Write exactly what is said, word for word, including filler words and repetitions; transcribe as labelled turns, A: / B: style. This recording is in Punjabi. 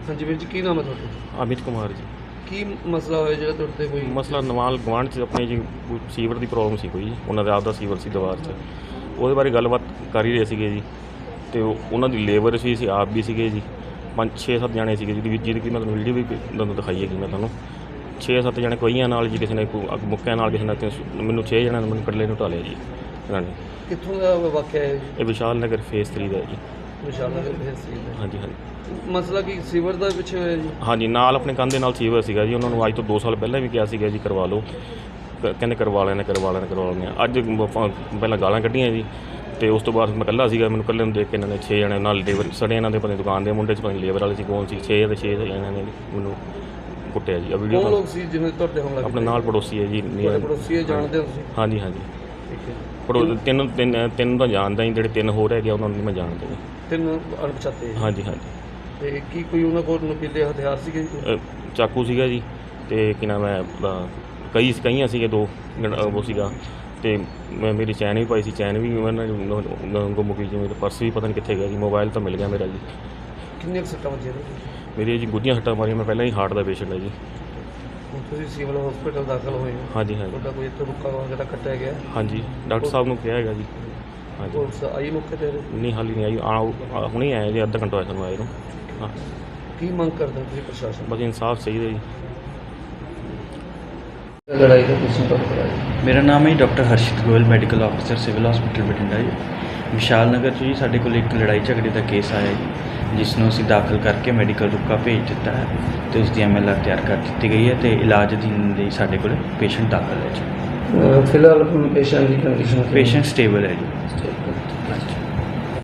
A: ਹਾਂਜੀ ਵੀਰ ਜੀ, ਕੀ ਨਾਮ ਹੈ ਤੁਹਾਡਾ?
B: ਅਮਿਤ ਕੁਮਾਰ ਜੀ।
A: ਕੀ ਮਸਲਾ ਹੋਇਆ ਜਿਹੜਾ ਤੁਹਾਡੇ ਤੇ ਕੋਈ
B: ਮਸਲਾ ਨਵਾਲ ਗੁਆਂਢ 'ਚ ਆਪਣੇ ਜੀ ਕੋਈ ਸੀਵਰ ਦੀ ਪ੍ਰੋਬਲਮ ਸੀ ਕੋਈ ਜੀ, ਉਹਨਾਂ ਦਾ ਆਪਦਾ ਸੀਵਰ ਸੀ ਦੀਵਾਰ 'ਚ, ਉਹਦੇ ਬਾਰੇ ਗੱਲਬਾਤ ਕਰ ਹੀ ਰਹੇ ਸੀਗੇ ਜੀ। ਅਤੇ ਉਹ ਉਹਨਾਂ ਦੀ ਲੇਬਰ ਸੀ, ਅਸੀਂ ਆਪ ਵੀ ਸੀਗੇ ਜੀ, ਪੰਜ ਛੇ ਸੱਤ ਜਣੇ ਸੀਗੇ ਜਿਹਦੀ ਜਿਹਦੀ ਕਿ ਮੈਂ ਤੁਹਾਨੂੰ ਵੀਡੀਓ ਵੀ ਤੁਹਾਨੂੰ ਦਿਖਾਈ ਹੈਗੀ। ਮੈਂ ਤੁਹਾਨੂੰ ਛੇ ਸੱਤ ਜਣੇ ਕਈਆਂ ਨਾਲ ਜੀ, ਕਿਸੇ ਨੇ ਕੋਈ ਅੱਗ ਮੁੱਕਿਆਂ ਨਾਲ, ਕਿਸੇ ਨੇ ਮੈਨੂੰ ਛੇ ਜਣਿਆਂ ਨੇ ਮੈਨੂੰ ਇਕੱਲੇ ਨੂੰ ਢਾਲਿਆ ਜੀ ਇਹਨਾਂ ਨੇ।
A: ਕਿੱਥੋਂ ਦਾ ਵਾਕਿਆ ਹੈ ਜੀ?
B: ਇਹ ਵਿਸ਼ਾਲ ਨਗਰ ਫੇਸ ਥ੍ਰੀ ਦਾ ਜੀ।
A: ਵਿਸ਼ਾਲ ਨਗਰ ਤਹਿਸੀਲ ਦਾ।
B: ਹਾਂਜੀ ਹਾਂਜੀ
A: ਮਸਲਾ ਕੀ ਸੀਵਰ ਦਾ ਪਿੱਛੇ ਹੋਇਆ ਜੀ?
B: ਹਾਂਜੀ, ਨਾਲ ਆਪਣੇ ਕੰਧ ਦੇ ਨਾਲ ਸੀਵਰ ਸੀਗਾ ਜੀ। ਉਹਨਾਂ ਨੂੰ ਅੱਜ ਤੋਂ ਦੋ ਸਾਲ ਪਹਿਲਾਂ ਵੀ ਕਿਹਾ ਸੀਗਾ ਜੀ ਕਰਵਾ ਲਓ, ਕ- ਕਹਿੰਦੇ ਕਰਵਾ ਲੈਣੇ ਕਰਵਾ ਲੈਣੇ ਕਰਵਾ ਲੈਣੇ ਅੱਜ ਪ- ਪਹਿਲਾਂ ਗਾਲਾਂ ਕੱਢੀਆਂ ਜੀ, ਅਤੇ ਉਸ ਤੋਂ ਬਾਅਦ ਮੈਂ ਇਕੱਲਾ ਸੀਗਾ। ਮੈਨੂੰ ਇਕੱਲੇ ਨੂੰ ਦੇਖ ਕੇ ਇਹਨਾਂ ਨੇ ਛੇ ਜਣੇ ਨਾਲ ਲੇਬਰ ਸੜੇ, ਇਹਨਾਂ ਦੇ ਪਤਾ ਦੁਕਾਨ ਦੇ ਮੁੰਡੇ 'ਚ ਪਤਾ ਲੇਬਰ ਵਾਲੇ ਸੀ ਕੌਣ ਸੀ, ਛੇ ਦੇ ਛੇ ਇਹਨਾਂ ਨੇ ਮੈਨੂੰ ਕੁੱਟਿਆ ਜੀ। ਆ
A: ਕੌਣ
B: ਵੀਡੀਓ
A: ਲੋਕ ਸੀ ਜਿਵੇਂ ਤੁਹਾਡੇ ਹਮਲਾ
B: ਆਪਣੇ ਨਾਲ ਪੜੋਸੀ ਹੈ ਜੀ।
A: ਤੁਹਾਡੇ ਪੜੋਸੀ ਹੈ, ਜਾਣਦੇ ਹੋ ਤੁਸੀਂ?
B: ਹਾਂਜੀ ਹਾਂਜੀ
A: ਠੀਕ ਹੈ।
B: ਪੜੋ ਤਿੰਨ ਤਿੰਨ ਤਿੰਨ ਤਾਂ ਜਾਣਦਾ ਜੀ, ਜਿਹੜੇ ਤਿੰਨ ਹੋਰ ਹੈਗੇ ਉਹਨਾਂ ਨੂੰ ਨਹੀਂ ਮੈਂ ਜਾਣਦਾ ਜੀ।
A: ਤਿੰਨ ਅਣਪਛਾਤੇ?
B: ਹਾਂਜੀ ਹਾਂਜੀ
A: ਤੇ ਕੀ ਕੋਈ ਉਹਨਾਂ ਕੋਲ ਨਕੀਲੇ ਹਥਿਆਰ ਸੀਗੇ ਜੀ?
B: ਅ, ਚਾਕੂ ਸੀਗਾ ਜੀ, ਅਤੇ ਕੀ ਨਾਮ ਹੈ ਆਪਣਾ ਕਈ ਕਈਆਂ ਸੀਗੇ ਦੋ ਗਣ- ਉਹ ਸੀਗਾ, ਅਤੇ ਮੈਂ ਮੇਰੀ ਚੈਨ ਵੀ ਪਾਈ ਸੀ, ਚੈਨ ਵੀ ਉਹਨਾਂ ਨੇ ਗੁੰਮ ਗਈ ਜੀ। ਮੇਰਾ ਪਰਸ ਵੀ ਪਤਾ ਨਹੀਂ ਕਿੱਥੇ ਗਿਆ ਜੀ, ਮੋਬਾਈਲ ਤਾਂ ਮਿਲ ਗਿਆ ਮੇਰਾ ਜੀ।
A: ਕਿੰਨੀਆਂ ਕੁ ਸੱਟਾਂ ਵੱਜੀਆਂ ਨੇ?
B: ਮੇਰੀ ਜੀ ਗੁੱਝੀਆਂ ਸੱਟਾਂ ਮਾਰੀਆਂ, ਮੈਂ ਪਹਿਲਾਂ ਹੀ ਹਾਰਟ ਦਾ ਪੇਸ਼ੈਂਟ ਹੈ ਜੀ।
A: ਹੁਣ ਤੁਸੀਂ ਸਿਵਲ ਹਸਪੀਟਲ ਦਾਖਲ ਹੋਏ ਹੋ?
B: ਹਾਂਜੀ ਹਾਂਜੀ
A: ਤੁਹਾਡਾ ਕੋਈ ਇੱਥੇ ਰੁੱਕਾ ਵਗੈਰਾ ਕੱਟਿਆ ਗਿਆ?
B: ਹਾਂਜੀ, ਡਾਕਟਰ ਸਾਹਿਬ ਨੂੰ ਕਿਹਾ ਹੈਗਾ ਜੀ। ਹਾਂਜੀ,
A: ਪੁਲਿਸ ਆਈ ਮੌਕੇ ਤੇ?
B: ਨਹੀਂ ਹਾਲੀ ਨਹੀਂ ਆਈ, ਆਓ ਆ- ਹੁਣੇ ਆਏ ਜੀ, ਅੱਧਾ ਘੰਟਾ ਹੋਇਆ ਸਾਨੂੰ ਆਏ ਨੂੰ। ਹਾਂ,
A: ਕੀ ਮੰਗ ਕਰਦੇ ਹੋ ਤੁਸੀਂ ਪ੍ਰਸ਼ਾਸਨ
B: ਬਸ ਇਨਸਾਫ ਚਾਹੀਦਾ ਜੀ।
A: ਤੋਂ? ਲੜਾਈ ਦਾ ਤੁਸੀਂ ਪਤਾ ਕਰਾਇਆ?
C: ਮੇਰਾ ਨਾਮ ਹੈ doctor Harshit Goyal, medical officer civil hospital Bathinda ਜੀ। ਵਿਸ਼ਾਲ ਨਗਰ 'ਚ ਜੀ ਸਾਡੇ ਕੋਲ ਇੱਕ ਲੜਾਈ ਝਗੜੇ ਦਾ ਕੇਸ ਆਇਆ ਜੀ, ਜਿਸ ਨੂੰ ਅਸੀਂ ਦਾਖਲ ਕਰਕੇ ਮੈਡੀਕਲ ਰੁਕਾ ਭੇਜ ਦਿੱਤਾ ਹੈ ਅਤੇ ਉਸ ਦੀ ਐਮ ਐਲ ਆਰ ਤਿਆਰ ਕਰ ਦਿੱਤੀ ਗਈ ਹੈ, ਅਤੇ ਇਲਾਜ ਅਧੀਨ ਲਈ ਸਾਡੇ ਕੋਲ ਪੇਸ਼ੈਂਟ ਦਾਖਲ ਹੈ ਜੀ।
A: ਫਿਲਹਾਲ ਪੇਸ਼ੈਂਟ ਦੀ ਕੰਡੀਸ਼ਨ
C: ਪੇਸ਼ੈਂਟ ਸਟੇਬਲ ਹੈ ਜੀ।